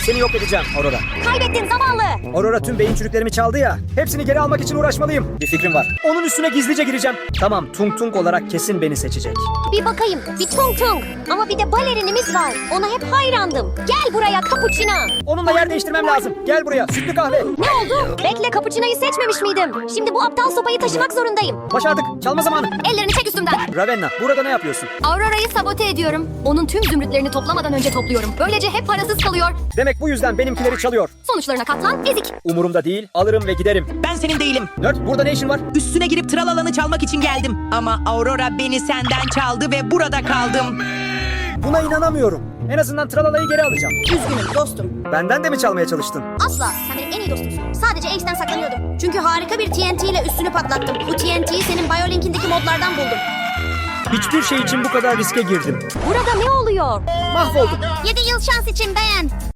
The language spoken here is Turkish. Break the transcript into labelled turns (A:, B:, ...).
A: Seni yok edeceğim Aurora.
B: Kaybettin zavallı.
A: Aurora tüm beyin çürüklerimi çaldı ya. Hepsini geri almak için uğraşmalıyım. Bir fikrim var. Onun üstüne gizlice gireceğim. Tamam, Tung Tung olarak kesin beni seçecek.
B: Bir bakayım. Bir Tung Tung. Ama bir de balerinimiz var. Ona hep hayrandım. Gel buraya Cappuccino.
A: Onunla yer değiştirmem lazım. Gel buraya. Sütlü kahve.
B: Ne oldu? Bekle, Cappuccino'yu seçmemiş miydim? Şimdi bu aptal sopayı taşımak zorundayım.
A: Başardık. Çalma zamanı.
B: Ellerini çek üstümden.
A: Ravenna, burada ne yapıyorsun?
B: Aurora'yı sabote ediyorum. Onun tüm zümrütlerini toplamadan önce topluyorum. Böylece hep parasız kalıyor.
A: Demek bu yüzden benimkileri çalıyor.
B: Sonuçlarına katlan, ezik.
A: Umurumda değil. Alırım ve giderim.
C: Ben senin değilim.
A: Nerd, burada ne işin var?
C: Üstüne girip tralalanı çalmak için geldim. Ama Aurora beni senden çaldı ve burada kaldım.
A: Buna inanamıyorum. En azından tralalayı geri alacağım.
B: Üzgünüm dostum.
A: Benden de mi çalmaya çalıştın?
B: Asla. Sen benim en iyi dostumsun. Sadece Ace'den saklanıyordum. Çünkü harika bir TNT ile üstünü patlattım. Bu TNT'yi senin Biolink'indeki modlardan buldum.
A: Hiçbir şey için bu kadar riske girdim.
B: Burada ne oluyor?
A: Mahvoldum.
B: 7 yıl şans için beğen.